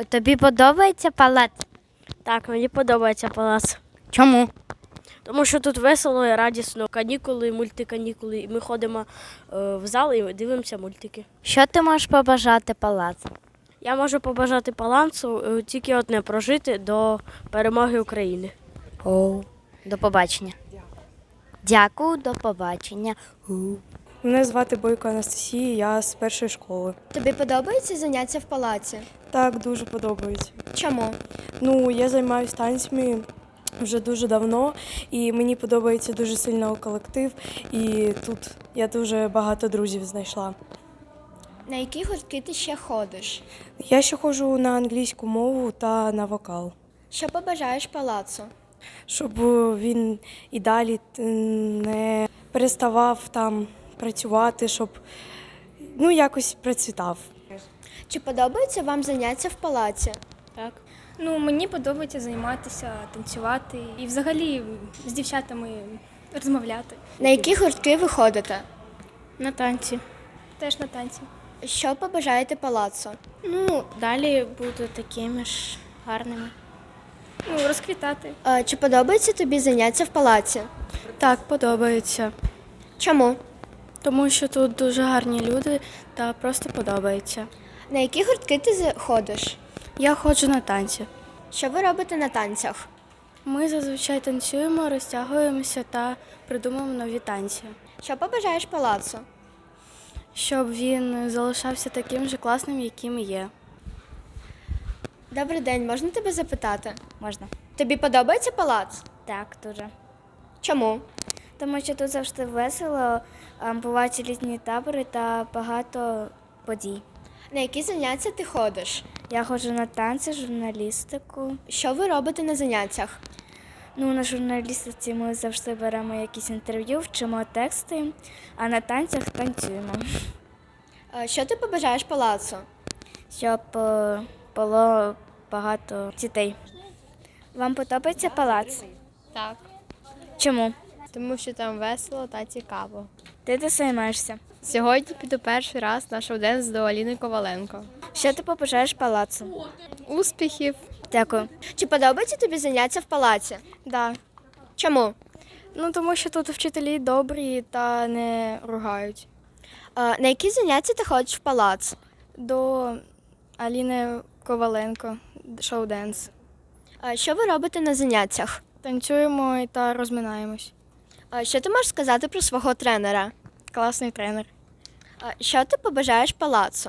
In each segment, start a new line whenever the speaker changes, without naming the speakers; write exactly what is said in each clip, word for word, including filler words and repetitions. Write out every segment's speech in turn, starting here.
Тобі подобається палац?
Так, мені подобається палац.
Чому?
Тому що тут весело і радісно. Канікули, мультиканікули. І ми ходимо е, в зал і дивимося мультики.
Що ти можеш побажати палацу?
Я можу побажати палацу е, тільки одне прожити до перемоги України.
О, до побачення. Дякую, до побачення.
Мене звати Бойко Анастасія, я з першої школи.
Тобі подобаються заняття в палаці?
Так, дуже подобається.
Чому?
Ну, я займаюся танцями вже дуже давно, і мені подобається дуже сильно колектив, і тут я дуже багато друзів знайшла.
На які гуртки ти ще ходиш?
Я ще ходжу на англійську мову та на вокал,
Що побажаєш палацу?
щоб він і далі не переставав там працювати, щоб ну, якось процвітав.
Чи подобаються вам заняття в палаці?
Так.
Ну, мені подобається займатися, танцювати і взагалі з дівчатами розмовляти.
На які гуртки ви ходите?
На танці. Теж на танці.
Що побажаєте палацу?
Ну, далі буду такими ж гарними. Ну, розквітати.
Е, Чи подобається тобі заняття в палаці?
Так, подобається.
Чому?
Тому що тут дуже гарні люди та просто подобається.
На які гуртки ти за- ходиш?
Я ходжу на танці.
Що ви робите на танцях?
Ми зазвичай танцюємо, розтягуємося та придумуємо нові танці,
Що побажаєш палацу?
щоб він залишався таким же класним, яким є.
Добрий день, можна тебе запитати?
Можна?
Тобі подобається палац?
Так, дуже.
Чому?
Тому що тут завжди весело, бувають літні табори та багато подій.
На які заняття ти ходиш?
Я ходжу на танці, журналістику.
Що ви робите на заняттях?
Ну, на журналістиці ми завжди беремо якісь інтерв'ю, вчимо тексти, а на танцях танцюємо.
Е, Що ти побажаєш палацу?
Щоб е, було багато дітей. Вам подобається палац?
Так,
Чому?
тому що там весело та цікаво.
Де ти займаєшся?
Сьогодні піду перший раз на шоу-денс до Аліни Коваленко.
Що ти побажаєш палацу?
Успіхів!
Дякую.
Чи подобається тобі заняття в палаці?
Да.
Чому?
Ну, тому що тут вчителі добрі та не ругають.
Е, На які заняття ти ходиш в палац?
До Аліни Коваленко, шоу-денс.
Е, Що ви робите на заняттях?
Танцюємо та розминаємось.
Е, Що ти можеш сказати про свого тренера?
Класний тренер.
Е, Що ти побажаєш палацу?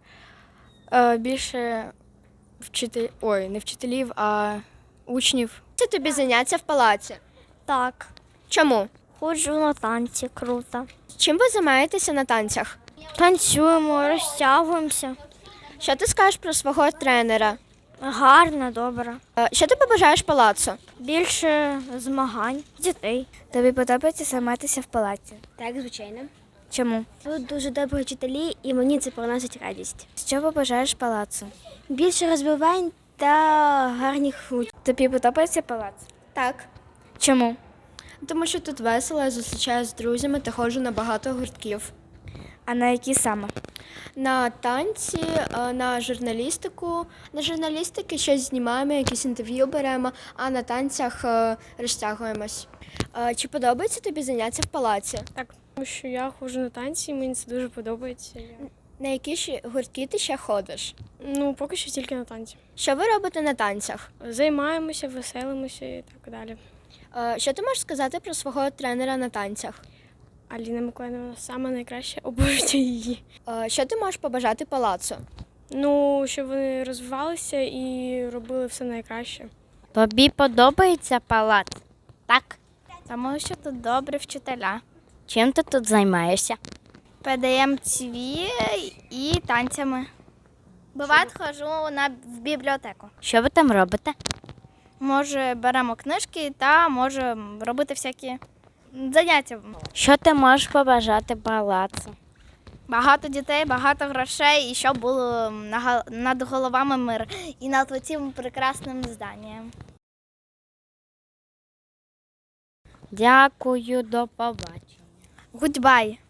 Е, більше вчитель... Ой, не вчителів, а учнів.
Це тобі заняття в палаці?
Так.
Чому?
Ходжу на танці, круто.
Чим ви займаєтеся на танцях?
Танцюємо, розтягуємося.
Що ти скажеш про свого тренера?
Гарно, добре.
Е, Що ти побажаєш палацу?
Більше змагань, дітей. Тобі подобається займатися в палаці?
Так, звичайно.
Чому?
Тут дуже добрі вчителі і мені це приносить радість.
Що побажаєш палацу?
Більше розвивань та гарних учнів.
Тобі подобається палац?
Так.
Чому?
Тому що тут весело, я зустрічаюся з друзями та ходжу на багато гуртків.
А на які саме?
На танці, е, на журналістику. На журналістики щось знімаємо, якісь інтерв'ю беремо, а на танцях е, розтягуємось. Е, Чи подобається тобі заняття в палаці?
Так, тому що я ходжу на танці, і мені це дуже подобається. Я...
На які ж гуртки ти ще ходиш?
Ну, поки що тільки на танці.
Що ви робите на танцях?
Займаємося, веселимося і так далі.
Е, Що ти можеш сказати про свого тренера на танцях?
Аліна Миколаївна саме найкраще, обожнюю її.
Е, Що ти можеш побажати палацу?
Ну, щоб вони розвивалися і робили все найкраще.
Тобі подобається палац? Так. Тому що тут добрі вчителя. Чим ти тут займаєшся? Пе-де-ем те ве і танцями. Буває, ходжу на, в бібліотеку. Що ви там робите? Може, беремо книжки та може робити всякі заняття. Що ти можеш побажати палацу? Багато дітей, багато грошей і щоб було над головами мир і над цим прекрасним зданням. Дякую, до побачення. Гудбай.